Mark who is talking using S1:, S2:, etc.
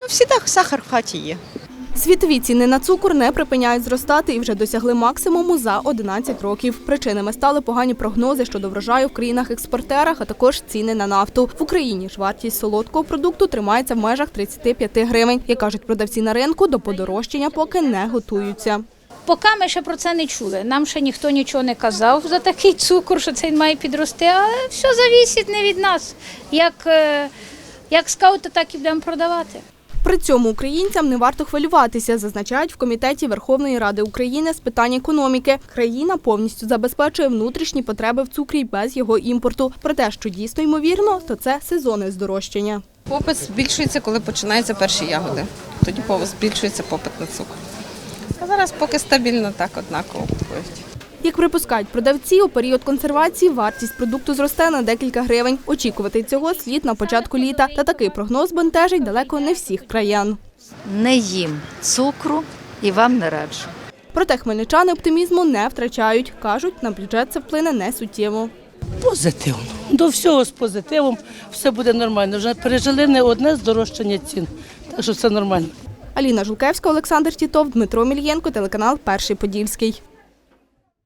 S1: Всегда сахар в хаті є.
S2: Світові ціни на цукор не припиняють зростати і вже досягли максимуму за 11 років. Причинами стали погані прогнози щодо врожаю в країнах-експортерах, а також ціни на нафту. В Україні ж вартість солодкого продукту тримається в межах 35 гривень. Як кажуть продавці на ринку, до подорожчання поки не готуються.
S3: Поки ми ще про це не чули. Нам ще ніхто нічого не казав за такий цукор, що цей має підрости, але все залежить не від нас. Як скаути, так і будемо продавати.
S2: При цьому українцям не варто хвилюватися, зазначають в Комітеті Верховної Ради України з питань економіки. Країна повністю забезпечує внутрішні потреби в цукрі без його імпорту. Про те, що дійсно ймовірно, то це сезонне здорожчання.
S4: Попит збільшується, коли починаються перші ягоди. Тоді збільшується попит на цукор. А зараз поки стабільно так однаково купують.
S2: Як припускають продавці, у період консервації вартість продукту зросте на декілька гривень. Очікувати цього слід на початку літа. Та такий прогноз бентежить далеко не всіх краян.
S5: Не їм цукру і вам не раджу.
S2: Проте хмельничани оптимізму не втрачають. Кажуть, на бюджет це вплине не суттєво.
S6: Позитивно. До всього з позитивом, все буде нормально. Вже пережили не одне здорожчання цін, так що все нормально.
S2: Аліна Жулкевська, Олександр Тітов, Дмитро Мільєнко, телеканал «Перший Подільський».